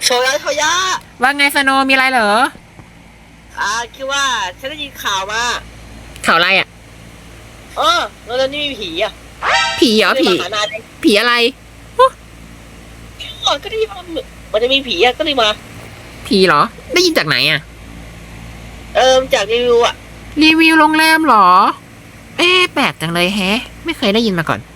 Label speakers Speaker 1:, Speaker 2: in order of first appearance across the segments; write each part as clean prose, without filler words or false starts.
Speaker 1: โชยะ
Speaker 2: ว่าไงสโนมีอะไรเหรอ
Speaker 1: คิดว่าฉันได้ยินข่าวมา
Speaker 2: ข่าวอะไรอ่ะ
Speaker 1: แล้วนี่มีผี
Speaker 2: ผีเหรอผี
Speaker 1: มาหานาย
Speaker 2: ผีอะไร
Speaker 1: ก็ได้ยินมันจะมีผีก็เลยมา
Speaker 2: ผีเหรอได้ยินจากไหนอ่ะ
Speaker 1: จากรีวิว
Speaker 2: รีวิวโรงแรมเหรอแปลกจังเลยแฮะไม่เคยได้ยินมาก่อน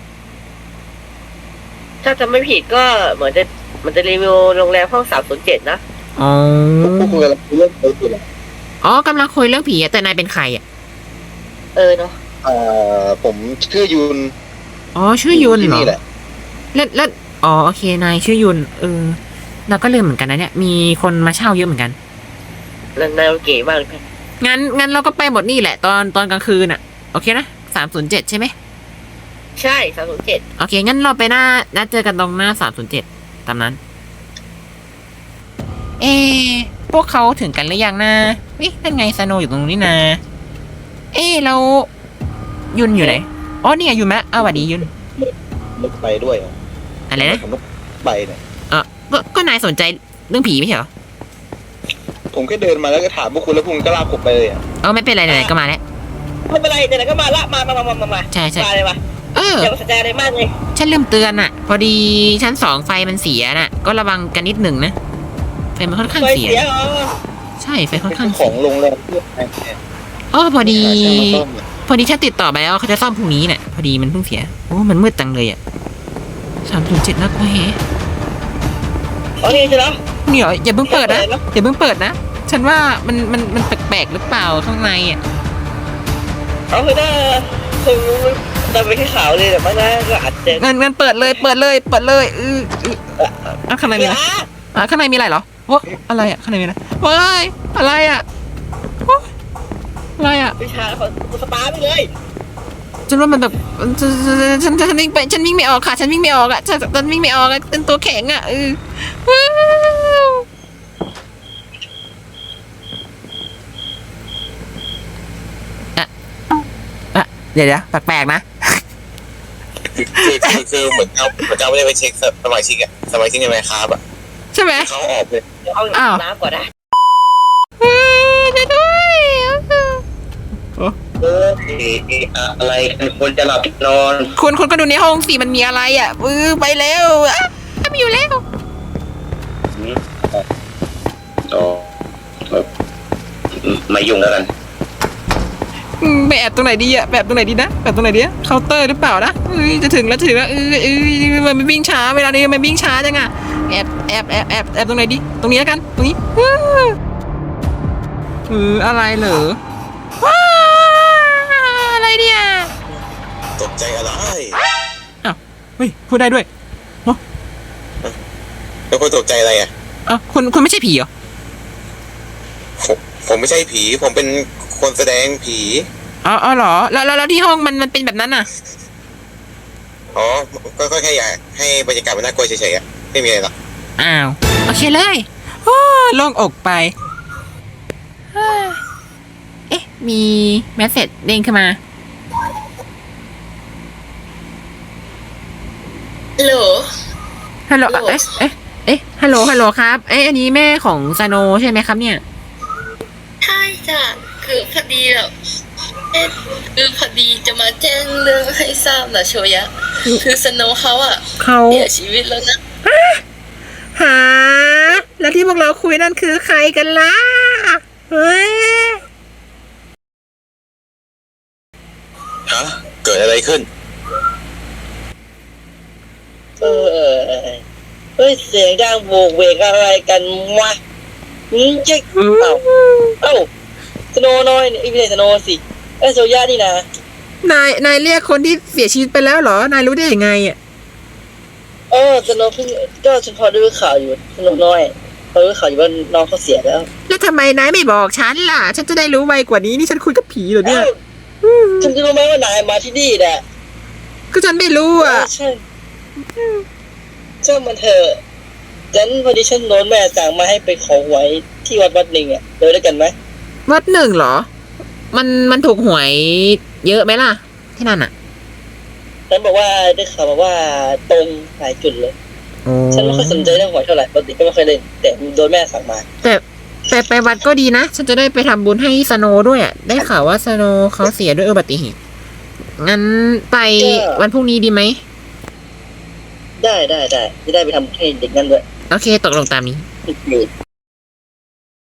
Speaker 1: ถ้าจำไม่ผิดก็เหมือนมันจะรีวิวโรงแรมห้อง307นะ
Speaker 2: อ๋อ
Speaker 3: พวกคุณกำลังเรื่องอะไรกัน
Speaker 2: กำลังคุยเรื่องผีแต่นายเป็นใครอ่ะ
Speaker 1: เนาะ
Speaker 3: ผมชื่อยุน
Speaker 2: ชื่อยุนเหรอ
Speaker 3: นี่แหละ
Speaker 2: แล้วโอเคนายชื่อยุนเราก็ลืมเหมือนกันนะเนี่ยมีคนมาเช่าเยอะเหมือนกัน
Speaker 1: แล้วนายเก๋มากเลย
Speaker 2: งั้นเราก็ไปหมดนี่แหละตอนกลางคืนอ่ะโอเคนะ307ใช่ไหม
Speaker 1: ใช่307
Speaker 2: โอเคงั้นเราไปนัดเจอกันตรงหน้า307ตามนั้นพวกเขาถึงกันหรือยังนะนั่นไงสโนอยู่ตรงนี้นะแล้วยุนอยู่ไหนนี่ไงยุนไหมสวัสดียุน
Speaker 3: ไม่ไปด้วย
Speaker 2: อะไรนะ
Speaker 3: ผมไปเนี่ย
Speaker 2: ก็นายสนใจเรื่องผีไม่ใช่เหรอ
Speaker 3: ผมแค่เดินมาแล้วก็ถามพวกคุณแล้วพวกคุณก็ลากผมไปเลย
Speaker 2: ไม่เป็นไรไหนก็มาแล้ว
Speaker 1: ไม่เป็นไรไหนก็มาละมา
Speaker 2: ใช่
Speaker 1: มาเลยมาอย่าสนใจอะไรมากเลย
Speaker 2: ฉันลืมเตือนอ่ะพอดีชั้น2ไฟมันเสียน่ะก็ระวังกันนิดหนึ่งนะไฟมันค่อนข้างเสียใช่ไฟค่อนข้าง
Speaker 3: ของโรงแรม
Speaker 2: พอดีฉันติดต่อไปแล้วเขาจะซ่อมพรุ่งนี้เนี่ยพอดีมันเพิ่งเสียมันมืดจังเลยอ่ะ307นะกูเฮ้
Speaker 1: นี่ใช่แล้ว
Speaker 2: เนี่ยอย่าเพิ่งเปิดนะฉันว่ามันแปลกๆหรือเปล่าข้างในอ่ะ
Speaker 1: คือถ้าไปแค่ข่าวเลยแต่ว่าน่าก็อาจจะ
Speaker 2: งั้นเปิดเลยข้างในมีอะไรข้างในมีอะไรเหรออะไรอ่ะข้างในมีอะไรอะไรอ่ะ
Speaker 1: วิชาของสปาไปเลย
Speaker 2: ฉันว่ามันแบบฉันวิ่งไม่ออกค่ะฉันวิ่งไม่ออกอ่ะฉันวิ่งไม่ออกอ่ะเป็นตัวแข็งอ่ะเดี๋ยวแปลกๆนะ
Speaker 3: คือเหมือนเราไม่ได้ไปเช็คสมาชิกในไมค์ครับ
Speaker 2: ใช่ไหม
Speaker 3: เขาออกเลย
Speaker 1: เอาน้ำก่อนนะ
Speaker 2: ด้วย
Speaker 3: อะไรคนจะหลับนอน
Speaker 2: คุณก็ดูในห้องสิมันมีอะไรอ่ะไปแล้วไม่อยู่แล้ว
Speaker 3: มายุ่งแล้วกัน
Speaker 2: ไปแอบตรงไหนดีอ่ะแบบตรงไหนดีนะแบบตรงไหนดีเคาน์เตอร์หรือเปล่านะจะถึงแล้วมันวิ่งช้าเวลานี้มันวิ่งช้าจังอ่ะแอบตรงไหนดีตรงนี้แล้วกันตรงนี้อะไรเหรออะไรเนี่ย
Speaker 3: ตกใจอะไร
Speaker 2: เฮ้ยพูดได้ด้วย
Speaker 3: แล้วคุณตกใจอะไร
Speaker 2: คุณไม่ใช่ผีเหรอ
Speaker 3: ผมไม่ใช่ผีผมเป็นคนแสดงผี
Speaker 2: เหรอแล้วที่ห้องมันเป็นแบบนั้นน่ะ
Speaker 3: ก็แค่อยากให้บรรยากาศมันน่ากลัวเฉยๆไม่มีอะไรหรอก
Speaker 2: โอเคเลยโล่งอกไปมีเมสเสจเด้งขึ้นมาฮัลโหลฮัลโหลฮัลโหลครับอันนี้แม่ของซาโนใช่ไหมครับเนี่ย
Speaker 4: ใช่จ้ะคือพอดีจะมาแจ้งเรื่องให้ทราบนะโชยะคือสโนเขาเสียชีวิตแล้วนะ
Speaker 2: แล้วที่พวกเราคุยนั่นคือใครกันล่ะ
Speaker 3: เกิดอะไรขึ้น
Speaker 1: เสียงดังโวกเวกอะไรกันวะเจ๊กสโนน้อยไม่ใช่สโนสิโซย่านี่นะ
Speaker 2: นายเรียกคนที่เสียชีวิตไปแล้วเหรอนายรู้ได้ยังไง
Speaker 1: สโนเพิ่งก็ฉันพอดูข่าวอยู่สโนน้อยพอดูข่าวอยู่ว่าน้องเขาเสียแล้ว
Speaker 2: ทำไมนายไม่บอกฉันล่ะฉันจะได้รู้ไวกว่านี้นี่ฉันคุยกับผีเหรอเนี่ย
Speaker 1: ฉันจะรู้ไหมว่านายมาที่นี่แหละ
Speaker 2: ก็ฉันไม่รู้
Speaker 1: ใช่มันเถอะฉันพอดีฉันโน้นแม่สั่งมาให้ไปขอหวยที่วัดหนึ่งเดินด้วยกันไหม
Speaker 2: วัดหนึ่งเหรอมันถูกหวยเยอะไหมล่ะที่นั่นฉั
Speaker 1: นบอกว่าได้ข่าวมาว่าตรงหลายจุดเลย
Speaker 2: โอ้
Speaker 1: ฉันไม่ค่อยสนใจเรื่องหวยเท่าไหร่ปกติก็ไม่ค่อยเล่นแต่โดนแม่สั่งมา
Speaker 2: แต่ไปวัดก็ดีนะ ฉันจะได้ไปทำบุญให้สโนด้วยอ่ะ ได้ข่าวว่าสโนเขาเสียด้วยอุบัติเหตุ งั้นไปวันพรุ่งนี้ดีไหม
Speaker 1: ได้จะได้ไปทำให้เด็กนั่นด้วย
Speaker 2: โอเค ตกลงตามนี้
Speaker 1: นี่